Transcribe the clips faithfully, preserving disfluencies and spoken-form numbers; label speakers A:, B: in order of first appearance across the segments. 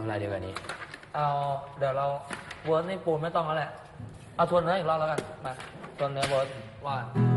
A: อะไรเดียวกันนี้
B: เอาเดี๋ยวเราเวิร์สนี่ปูนไม่ต้องแล้วแหละเอาทวนเนื้ออีกรอบแล้วกันมาทวนเนื้อเวิร์สว่า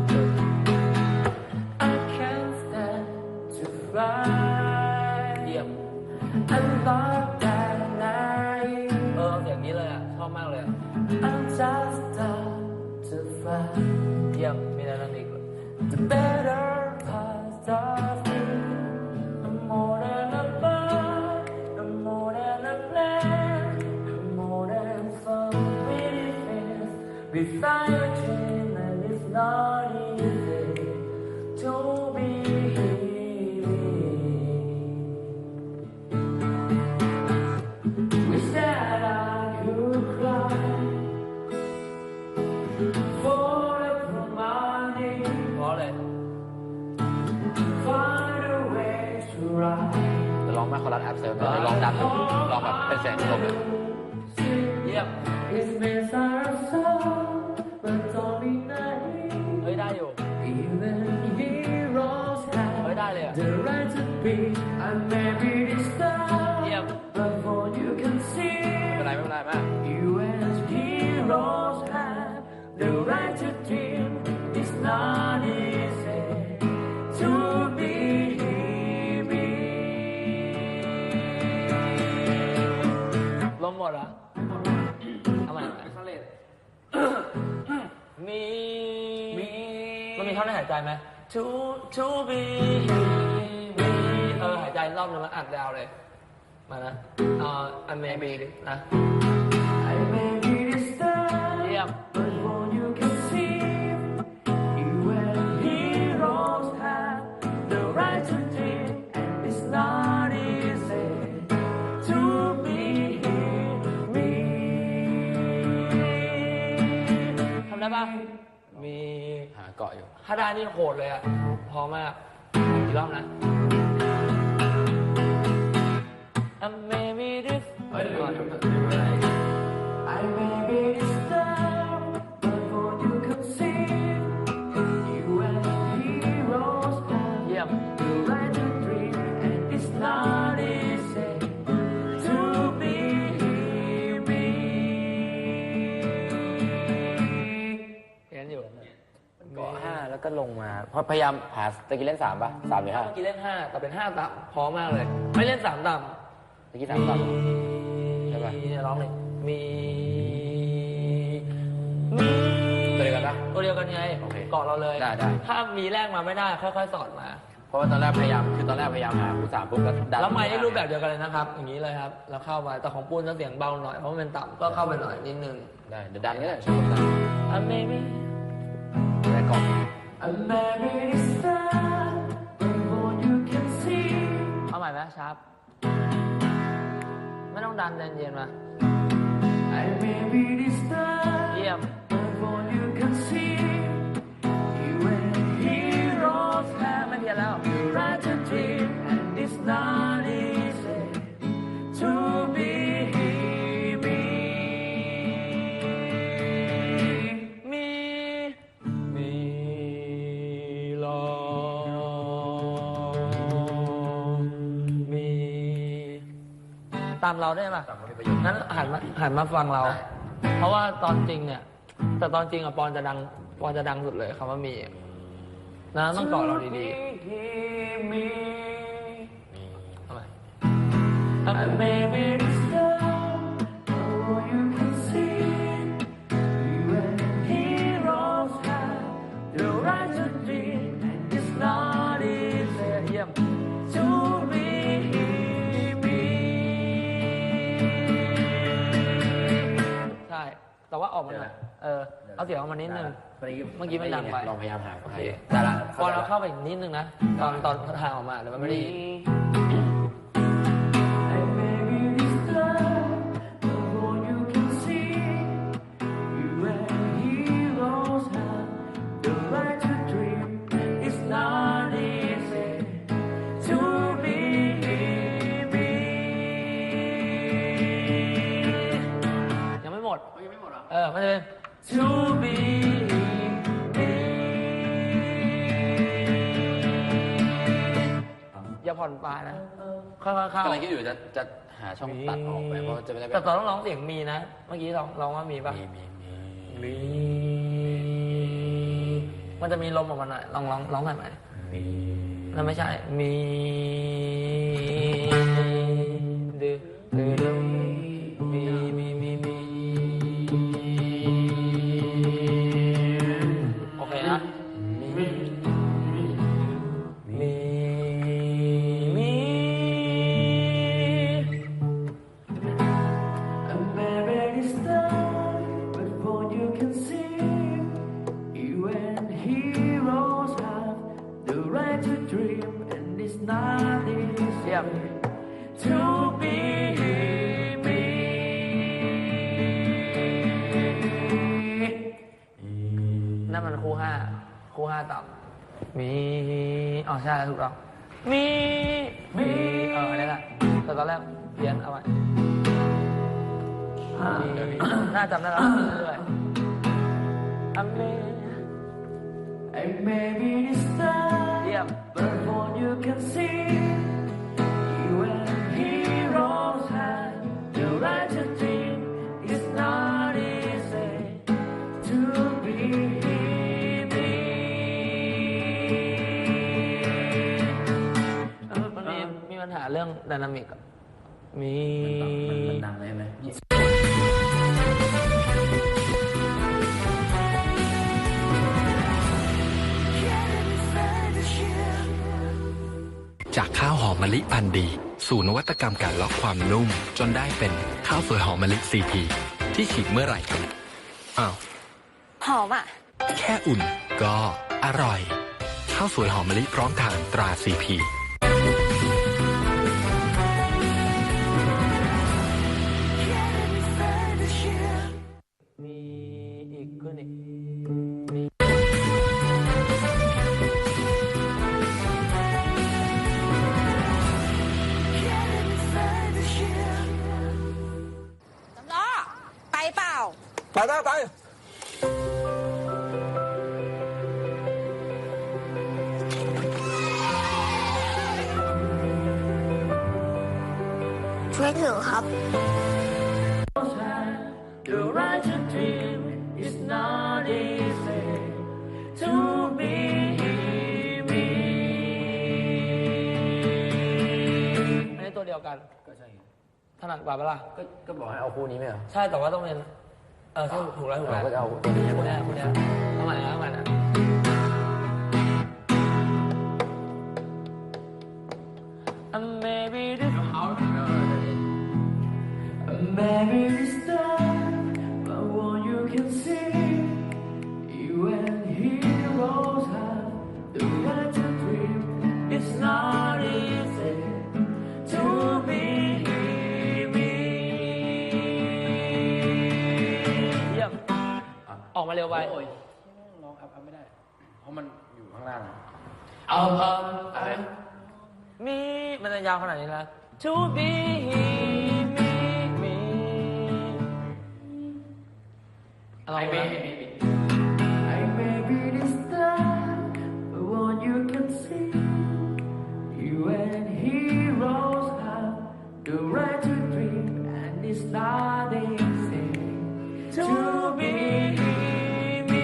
B: I can't stand to fly เยี่ยม I love that night เออเสียงนี้เลยอ่ะชอบมากเลย I'm just start to fly เยี่ยมมีอะไรนั่นอีก The better part of me the more than a bird the more than a plant the more than some pretty things we fly a dream and it's not easy to be wish that I could cry for the money เพราะอะไร Find a way to ride
A: จะลองแม่คอรัสแอปเซิร์ฟจะลองดับลองแบบเป็นเสียงลมเลยเยี่ยม
B: It's been so but don't be naive เฮ้ยได้อยู่ Even heroes have the right to be and maybe this time but for you can see
A: ไม่เป็นไรไม่เป็นไรมาก
B: You as heroes have the right to dream It's not easy to be me ลมหมดเหรอเอาใหม่มีมีมันมีท่อนให้หายใจไหม to to be me เออหายใจรอบนึงแล้วอัดยาวเลยมานะเอ่อ I may be นะ I may be distant เยี่ยม but what you can see you and heroes have the right to dream and it's not easy to be me ทำได้ปะมี
A: หาเกาะอยู่
B: ถ้าได้นี่โหดเลยอ่ะพอมากอีกรอบนะ I may be this เฮ้ยก่อน I may be this down but what you can see you and heroes have the right to dream and it's not easy to be me เห็นอยู่
A: เกาะห้าแล้วก็ลงมาเพราะพยายามหาตะกี้เล่นสามป่ะสามหรือห้า
B: เมื่อกี้เล่นห้าแต่เป็นห้าต่ำพอมากเลยไม่เล่นสามต่ำ
A: ตะกี้สามต่ำใช่ป่ะ
B: ร้องเลยมีมี
A: ตัวเดียวกันปะ
B: ตัวเดียวกันไงเกาะเราเลย
A: ได้ได้
B: ถ้ามีแรกมาไม่ได้ค่อยๆสอดมา
A: เพราะว่าตอนแรกพยายามคือตอนแรกพยายามหาคู่สามปุ๊บแล้วดัน
B: แล้วไม่ได้รูปแบบเดียวกันเลยนะครับอย่างนี้เลยครับแล้วเข้ามาแต่ของปูนจะเสียงเบาหน่อยเพราะมันเป็นต่ำก็เข้าไปหน่อยนิดนึง
A: ได้เดี๋ยวดันก็ได้ช่วยดัน
B: I may be
A: ได้ก่อน
B: I may be distant but what you can see เอาใหม่ไหมชาร์ปไม่ต้องดันเย็นๆมา I may be distant เยี่ยม but what you can see you and heroes have ไม่เพี้ยนแล้ว right to dream and it's not easy to be me มีมีลองมีตามเราได้ป่ะงั้นหันมาหันมาฟังเราเพราะว่าตอนจริงเนี่ยแต่ตอนจริงอะปอนจะดังปอนจะดังสุดเลยคำว่ามีนะต้องเกาะเราดีๆทำไม I may be distant but you can see you and heroes have the right to dream and it's not easy เยี่ยม to be me ใช่แต่ว่าออกมาหน่อยเออเอาเสียงออกมานิดนึงเมื่อกี้ไม่ดังไป
A: ลองพยายามหา
B: โอเค
A: แต่ละ
B: พอเราเข้าไปอีกนิดนึงนะตอนตอนทางออกมาเดี๋ยวมันไม่ได้ยังไม่หมดยังไม่หมดอ่ะเออมันจะเป็น to be me อย่าผ่อนปลายนะค่อยๆเข้าก
A: ำลังคิดอยู่จะจะหาช่องตัดออกไปเพราะจะไม่ได้
B: แต่ตอนต้องร้องเสียงมีนะ เมื่อกี้ลองลองว่ามีป่ะ
A: มีมีมี
B: มีมันจะมีลมออกมาหน่อยลองร้องร้องหน่อยไหม
A: มี
B: นั่นไม่ใช่มีดื้อดื้อดื้อมีมีมีมีโอเคนะมีมีมี
C: A melody start, but before you can sing, you and heroes have the right to dream, and it's not easy
B: เยี่ยม
C: to be me.
B: นั่นมันคู่ห้าคู่ห้าต่ำมีอ๋อใช่ถูกต้องมีมีเอออันนี้แหละแต่ตอนแรกเพี้ยนเอาไว้มีน่าจำได้แล้วเรื่อยๆอเม
C: And maybe this time,
B: เยี่ยม
C: but before you can sing, you and heroes have the right to dream. It's not easy to be me.
B: เออมันมีมีปัญหาเรื่องไดนามิกอะมี
A: มันดังเลยไหม
D: จากข้าวหอมมะลิพันธุ์ดี สู่นวัตกรรมการล็อกความนุ่ม จนได้เป็นข้าวสวยหอมมะลิซีพีที่ฉีกเมื่อไหร่ก็อ้าว
E: หอมอ่ะ
D: แค่อุ่นก็อร่อย ข้าวสวยหอมมะลิพร้อมทานตราซีพี
B: มีอีกขึ้นอีกมี
E: สำล้อ ไปเปล่า
F: ไปไปไป
E: ช่วยถือครับ
C: The right to dream is not easy to be me.
B: อันนี้ตัวเดียวกัน
A: ก็ใช่
B: ถนัดกว่าเปะล่า
A: ก็ก็บอกให้เอาคู่นี้ไหมเหรอ
B: ใช่แต่ว่าต้องเป็นเออใช่ถูกแล้วถูกแล้ว
A: เราก็จะเอาตัวนี้
B: คุณแน่คุณแน่เอาใหม่นะเอาใหม่นะ And maybe this
C: Maybe this time, but what you can see, you and heroes have the right to dream. It's not easy to be me.
B: เยี่ยมออกมาเร็วไป
A: โอ้ยร้องอัพอัพไม่ได้ เพราะมันอยู่ข้างล่าง
B: เอาเออ
A: อะไร
B: มีมันจะยาวขนาดนี้แล้ว To be me me เอาลองดูนะ
C: I may be this time, but what you can see, you and heroes have the right to dream, and it's not easy to be me.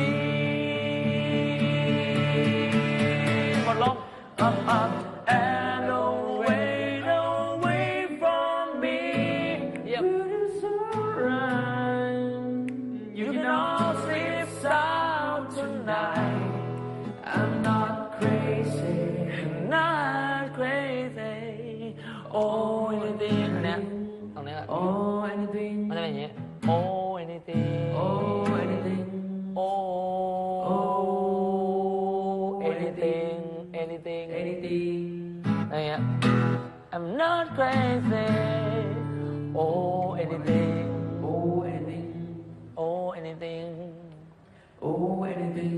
B: หมดลม
C: Up, up, and away, away from me.
B: เยี่ยม
C: It's alright. You can all sleep sound tonight. I'm not crazy.
B: not crazy oh anything อันเนี้ยตรงเนี้ยแหละ
C: Oh, anything.
B: มันจะเป็นอย่างงี้ oh anything
C: Oh, anything.
B: oh
C: Oh,
B: anything anything
C: Anything.
B: อะไรเงี้ย I'm not crazy oh anything
C: Oh, anything.
B: oh anything
C: Oh, anything.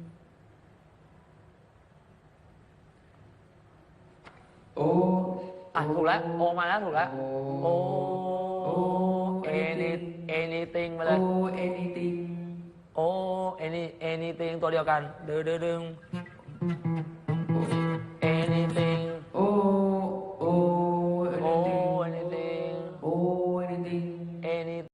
C: โอ้
B: อ่ะถูกแล้วโอมาแล้วถูกแล้ว
C: โอ้
B: โอ้ any anything มาเลย
C: โอ้ anything
B: โอ้ any anything ตัวเดียวกันดึงดึงดึง anything
C: โอ้
B: เอนี่